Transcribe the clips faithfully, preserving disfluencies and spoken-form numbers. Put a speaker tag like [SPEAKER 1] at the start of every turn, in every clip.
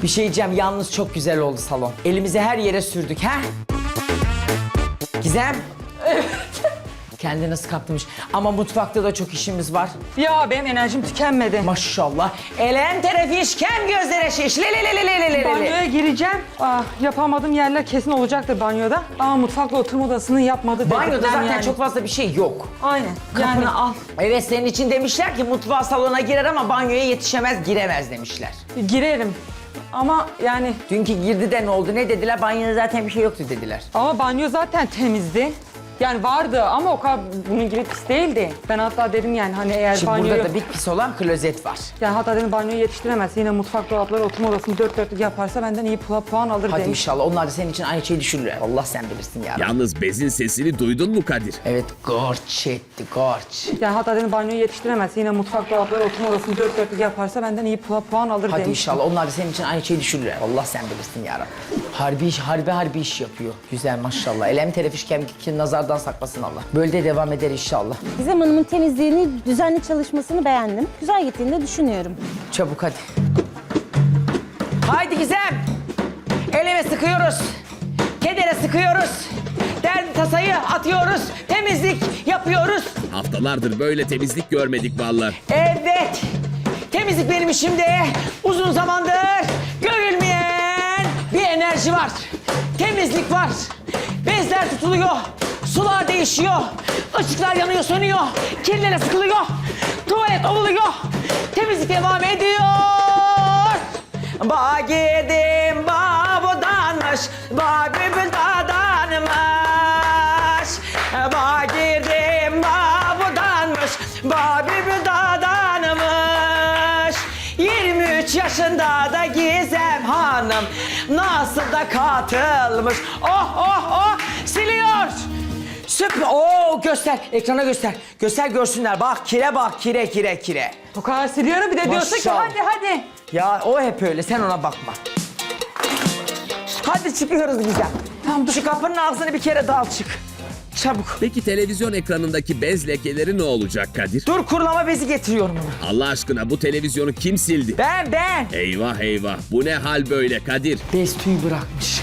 [SPEAKER 1] Bir şey diyeceğim, yalnız çok güzel oldu salon. Elimizi her yere sürdük, ha? Gizem. Evet. Kendi nasıl kaptırmış. Ama mutfakta da çok işimiz var.
[SPEAKER 2] Ya benim enerjim tükenmedi.
[SPEAKER 1] Maşallah. Elem terefiş, kem gözlere şiş. Le le le le le le le.
[SPEAKER 2] Banyoya gireceğim. Ah, yapamadığım yerler kesin olacaktır banyoda. Ama mutfakla oturma odasını yapmadı.
[SPEAKER 1] Banyoda
[SPEAKER 2] dedikler
[SPEAKER 1] zaten
[SPEAKER 2] yani.
[SPEAKER 1] çok fazla bir şey yok.
[SPEAKER 2] Aynen.
[SPEAKER 1] Kapını
[SPEAKER 2] Yani
[SPEAKER 1] al. Evet, senin için demişler ki mutfağa salona girer ama banyoya yetişemez, giremez demişler.
[SPEAKER 2] girerim. Ama yani
[SPEAKER 1] Dünkü girdi de ne oldu, ne dediler? Banyoda zaten bir şey yoktu dediler.
[SPEAKER 2] ama banyo zaten temizdi. Yani vardı ama o kadar bunun gibi pis değildi. Ben hatta dedim yani hani eğer
[SPEAKER 1] Şimdi
[SPEAKER 2] banyoyu...
[SPEAKER 1] burada da bir pis olan klozet var.
[SPEAKER 2] Yani hatta dedim banyoyu yetiştiremezse yine mutfak dolapları oturma odasını dört dörtlük yaparsa benden iyi puan, puan alır
[SPEAKER 1] Hadi
[SPEAKER 2] demiş.
[SPEAKER 1] inşallah onlar da senin için aynı şeyi düşünürler. Allah sen bilirsin ya.
[SPEAKER 3] Yalnız bezin sesini duydun mu Kadir?
[SPEAKER 1] Evet, gorç etti, gorç.
[SPEAKER 2] Yani hatta dedim banyoyu yetiştiremezse yine mutfak dolapları oturma odasını dört dörtlük yaparsa benden iyi puan, puan alır
[SPEAKER 1] Hadi
[SPEAKER 2] demiş.
[SPEAKER 1] inşallah onlar da senin için aynı şeyi düşünürler. Allah sen bilirsin ya Rabbi. Harbi iş, harbi harbi iş yapıyor. Güzel maşallah. Elem terefiş kemik nazardan saklasın Allah. Böyle de devam eder inşallah.
[SPEAKER 4] Gizem Hanım'ın temizliğini, düzenli çalışmasını beğendim. Güzel gittiğini de düşünüyorum.
[SPEAKER 1] Çabuk hadi. Haydi Gizem. Eleme sıkıyoruz. Kedere sıkıyoruz. Derdi tasayı atıyoruz. Temizlik yapıyoruz.
[SPEAKER 3] Haftalardır böyle temizlik görmedik vallahi.
[SPEAKER 1] Evet. Temizlik benim işimde. Uzun zamandır görülmeyen bir enerji var. Temizlik var. Bezler tutuluyor. Sular değişiyor. Işıklar yanıyor, sönüyor. Kirlere sıkılıyor. Tuvalet ovuluyor. Temizlik devam ediyor. Ba girdim, ba budanmış. Ba bülbül dadanmış. Ba girdim, ba budanmış. Ba bülbül dadanmış. yirmi üç yaşında da Gizem Hanım nasıl da katılmış. Oh oh oh siliyor. Süper. Oo göster. Ekrana göster. Göster görsünler. Bak kire bak kire kire kire.
[SPEAKER 2] O kadar siliyorum bir de diyorsun ki
[SPEAKER 1] Maşallah.
[SPEAKER 2] hadi hadi.
[SPEAKER 1] Ya o hep öyle. Sen ona bakma. Hadi çıkıyoruz Gizem.
[SPEAKER 2] Tamam, dur.
[SPEAKER 1] Şu kapının ağzını bir kere dal çık. Çabuk.
[SPEAKER 3] Peki televizyon ekranındaki bez lekeleri ne olacak Kadir?
[SPEAKER 1] Dur kurulama bezi getiriyorum ona.
[SPEAKER 3] Allah aşkına bu televizyonu kim sildi?
[SPEAKER 1] Ben ben.
[SPEAKER 3] Eyvah eyvah, bu ne hal böyle Kadir?
[SPEAKER 1] Bez tüyü bırakmış.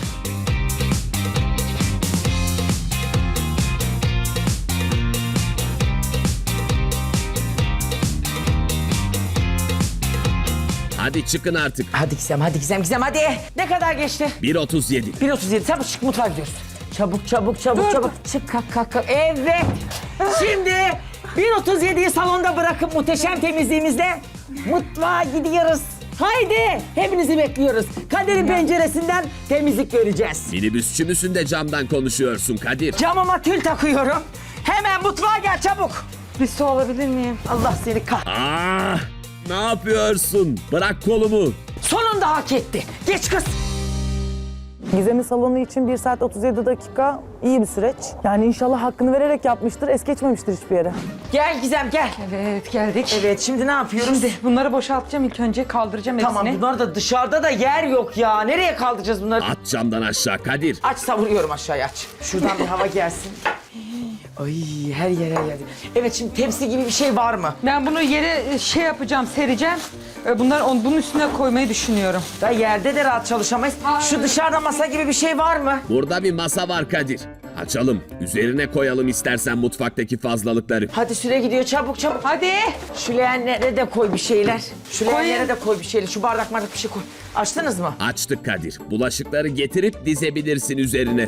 [SPEAKER 3] Hadi çıkın artık.
[SPEAKER 1] Hadi Gizem, hadi Gizem, Gizem hadi. Ne kadar geçti?
[SPEAKER 3] bir otuz yedi.
[SPEAKER 1] bir otuz yedi. Çabuk çık mutfağa gidiyoruz. Çabuk, çabuk, çabuk,
[SPEAKER 2] Dur,
[SPEAKER 1] çabuk. Çık, kalk, kalk, kalk. Evet. Şimdi bir otuz yediyi salonda bırakıp muhteşem temizliğimizle mutfağa gidiyoruz. Haydi. Hepinizi bekliyoruz. Kadir'in penceresinden temizlik göreceğiz.
[SPEAKER 3] Minibüsçü müsün de camdan konuşuyorsun Kadir?
[SPEAKER 1] Camıma tül takıyorum. Hemen mutfağa gel çabuk.
[SPEAKER 2] Bir su alabilir miyim?
[SPEAKER 1] Allah seni kah.
[SPEAKER 3] Ah! Ne yapıyorsun? Bırak kolumu.
[SPEAKER 1] Sonunda hak etti. Geç kız.
[SPEAKER 5] Gizem'in salonu için bir saat otuz yedi dakika iyi bir süreç. Yani inşallah hakkını vererek yapmıştır, es geçmemiştir hiçbir yere.
[SPEAKER 1] Gel Gizem gel.
[SPEAKER 2] Evet geldik.
[SPEAKER 1] Evet şimdi ne yapıyoruz?
[SPEAKER 2] Şimdi bunları boşaltacağım ilk önce kaldıracağım
[SPEAKER 1] Tamam
[SPEAKER 2] hepsini.
[SPEAKER 1] bunlar da dışarıda da yer yok ya. Nereye kaldıracağız bunları?
[SPEAKER 3] At camdan aşağı Kadir.
[SPEAKER 1] Aç savuruyorum aşağıya aç. Şuradan bir hava gelsin. Ay her yer her yer. Evet şimdi tepsi gibi bir şey var mı?
[SPEAKER 2] Ben bunu yere şey yapacağım, sereceğim. Ee, Bunları on, bunun üstüne koymayı düşünüyorum.
[SPEAKER 1] Da yerde de rahat çalışamayız. Şu dışarıda masa gibi bir şey var mı?
[SPEAKER 3] Burada bir masa var Kadir. Açalım. Üzerine koyalım istersen mutfaktaki fazlalıkları.
[SPEAKER 1] Hadi süre gidiyor çabuk çabuk.
[SPEAKER 2] Hadi.
[SPEAKER 1] Şu leğenlere de koy bir şeyler. Şu
[SPEAKER 2] Koyayım.
[SPEAKER 1] leğenlere de koy bir şeyler. Şu bardak bardak bir şey koy. Açtınız mı?
[SPEAKER 3] Açtık Kadir. Bulaşıkları getirip dizebilirsin üzerine.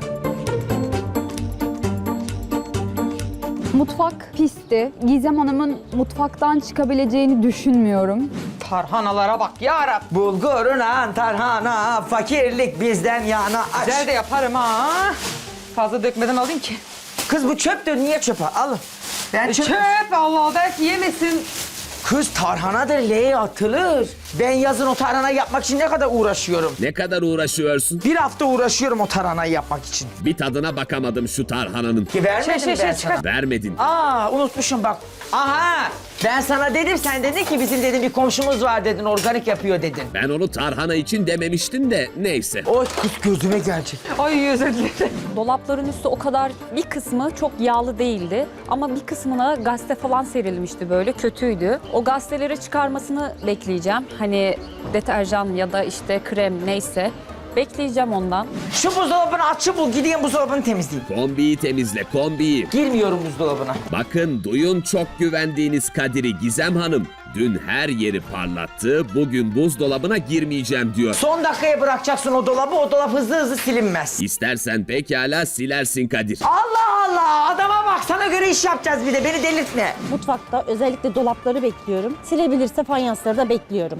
[SPEAKER 6] Mutfak pisti. Gizem Hanım'ın mutfaktan çıkabileceğini düşünmüyorum.
[SPEAKER 2] Tarhanalara bak yarabbim.
[SPEAKER 1] Bulguruna tarhana, fakirlik bizden yana. Aç.
[SPEAKER 2] Güzel de yaparım ha. Fazla dökmeden alayım ki.
[SPEAKER 1] Kız bu çöptür, niye çöpe? Alın. Ben çöp...
[SPEAKER 2] Çöp Allah belki yemesin.
[SPEAKER 1] Kız tarhanadır, leğe atılır. Ben yazın o tarhanayı yapmak için ne kadar uğraşıyorum.
[SPEAKER 3] Ne kadar uğraşıyorsun?
[SPEAKER 1] Bir hafta uğraşıyorum o tarhanayı yapmak için.
[SPEAKER 3] Bir tadına bakamadım şu tarhananın.
[SPEAKER 1] Ki vermedim
[SPEAKER 2] Şey, şey,
[SPEAKER 1] ben
[SPEAKER 2] şey,
[SPEAKER 1] sana.
[SPEAKER 2] çıkar.
[SPEAKER 3] Vermedin.
[SPEAKER 1] Aa unutmuşum bak. Aha ben sana dedim, sen dedin ki bizim dedin bir komşumuz var dedin, organik yapıyor dedin.
[SPEAKER 3] Ben onu tarhana için dememiştim de neyse.
[SPEAKER 1] O kız gözüme gelecek.
[SPEAKER 2] Ay özür dilerim.
[SPEAKER 7] Dolapların üstü o kadar bir kısmı çok yağlı değildi ama bir kısmına gazete falan serilmişti böyle kötüydü. O gazeteleri çıkarmasını bekleyeceğim hani deterjan ya da işte krem neyse bekleyeceğim ondan.
[SPEAKER 1] Şu buzdolabını açıp bul, gideyim buzdolabını temizleyeyim.
[SPEAKER 3] Kombiyi temizle, kombiyi.
[SPEAKER 1] Girmiyorum buzdolabına.
[SPEAKER 3] Bakın duyun çok güvendiğiniz Kadir'i Gizem Hanım. Dün her yeri parlattı, bugün buzdolabına girmeyeceğim diyor.
[SPEAKER 1] Son dakikaya bırakacaksın o dolabı, o dolap hızlı hızlı silinmez.
[SPEAKER 3] İstersen pekala silersin Kadir.
[SPEAKER 1] Allah Allah, adama bak, sana göre iş yapacağız bir de, beni delirtme.
[SPEAKER 4] Mutfakta özellikle dolapları bekliyorum. Silebilirse fayansları da bekliyorum.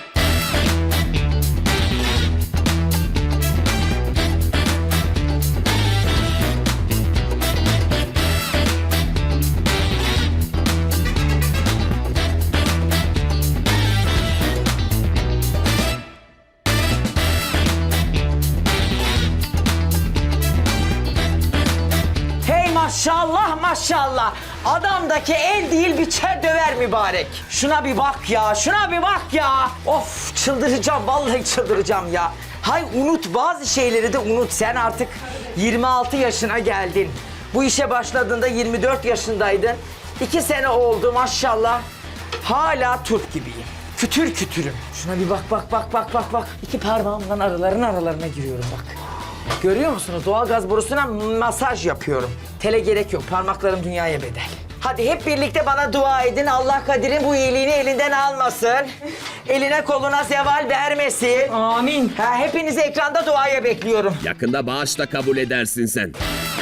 [SPEAKER 1] Hey maşallah maşallah. Adamdaki el değil biçer döver mübarek. Şuna bir bak ya, şuna bir bak ya. Of, çıldıracağım, vallahi çıldıracağım ya. Hay unut, bazı şeyleri de unut. Sen artık yirmi altı yaşına geldin. Bu işe başladığında yirmi dört yaşındaydın. İki sene oldu maşallah. Hala turp gibiyim. Kütür kütürüm. Şuna bir bak bak bak bak bak bak. İki parmağımdan araların aralarına giriyorum bak. Görüyor musunuz? Doğalgaz borusuna masaj yapıyorum. Tele gerek yok. Parmaklarım dünyaya bedel. Hadi hep birlikte bana dua edin. Allah Kadir'in bu iyiliğini elinden almasın. Eline koluna zeval vermesin.
[SPEAKER 2] Amin.
[SPEAKER 1] Ha, hepinizi ekranda duaya bekliyorum.
[SPEAKER 3] Yakında bağışla kabul edersin sen.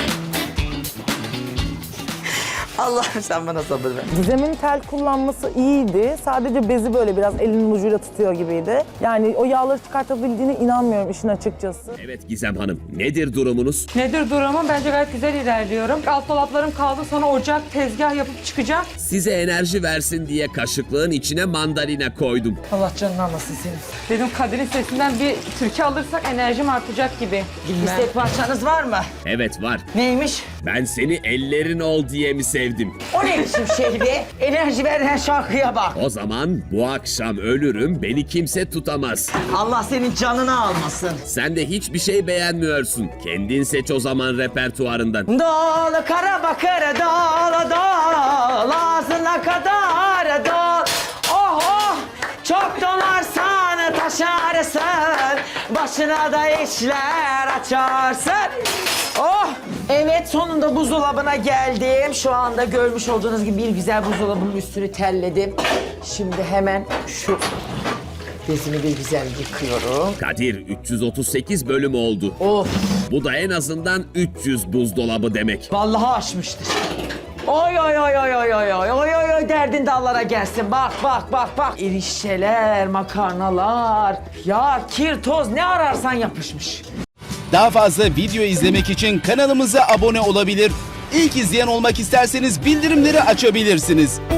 [SPEAKER 1] Allah'ım sen bana sabır ver.
[SPEAKER 5] Gizem'in tel kullanması iyiydi. Sadece bezi böyle biraz elinin ucuyla tutuyor gibiydi. Yani o yağları çıkartabildiğine inanmıyorum işin açıkçası.
[SPEAKER 3] Evet Gizem Hanım, nedir durumunuz?
[SPEAKER 2] Nedir durumum? Bence gayet güzel ilerliyorum. Alt dolaplarım kaldı, sonra ocak, tezgah yapıp çıkacağım.
[SPEAKER 3] Size enerji versin diye kaşıklığın içine mandalina koydum.
[SPEAKER 1] Allah canını almasın senin.
[SPEAKER 2] Dedim Kadir'in sesinden bir türkü alırsak enerjim artacak gibi.
[SPEAKER 1] İstek parçanız var mı?
[SPEAKER 3] Evet var.
[SPEAKER 1] Neymiş?
[SPEAKER 3] Ben seni ellerin ol diye mi sevdim?
[SPEAKER 1] O ne biçim şey be? Enerji veren şarkıya bak.
[SPEAKER 3] O zaman bu akşam ölürüm, beni kimse tutamaz.
[SPEAKER 1] Allah senin canını almasın.
[SPEAKER 3] Sen de hiçbir şey beğenmiyorsun. Kendin seç o zaman repertuarından.
[SPEAKER 1] Dolu kara bakır dolu dolu ağzına kadar dol. Oh oh çok dolarsan taşarsın, başına da işler açarsın. Oh evet, sonunda buzdolabına geldim. Şu anda görmüş olduğunuz gibi bir güzel buzdolabının üstünü telledim. Şimdi hemen şu bezimi bir güzel yıkıyorum.
[SPEAKER 3] Kadir üç yüz otuz sekiz bölüm oldu.
[SPEAKER 1] Of.
[SPEAKER 3] Bu da en azından üç yüz buzdolabı demek.
[SPEAKER 1] Vallahi aşmıştır. Oy oy oy oy oy oy oy oy oy oy derdin dağlara gelsin. Bak bak bak bak. Erişteler, makarnalar, yağ, kir, toz ne ararsan yapışmış.
[SPEAKER 8] Daha fazla video izlemek için kanalımıza abone olabilir. İlk izleyen olmak isterseniz bildirimleri açabilirsiniz.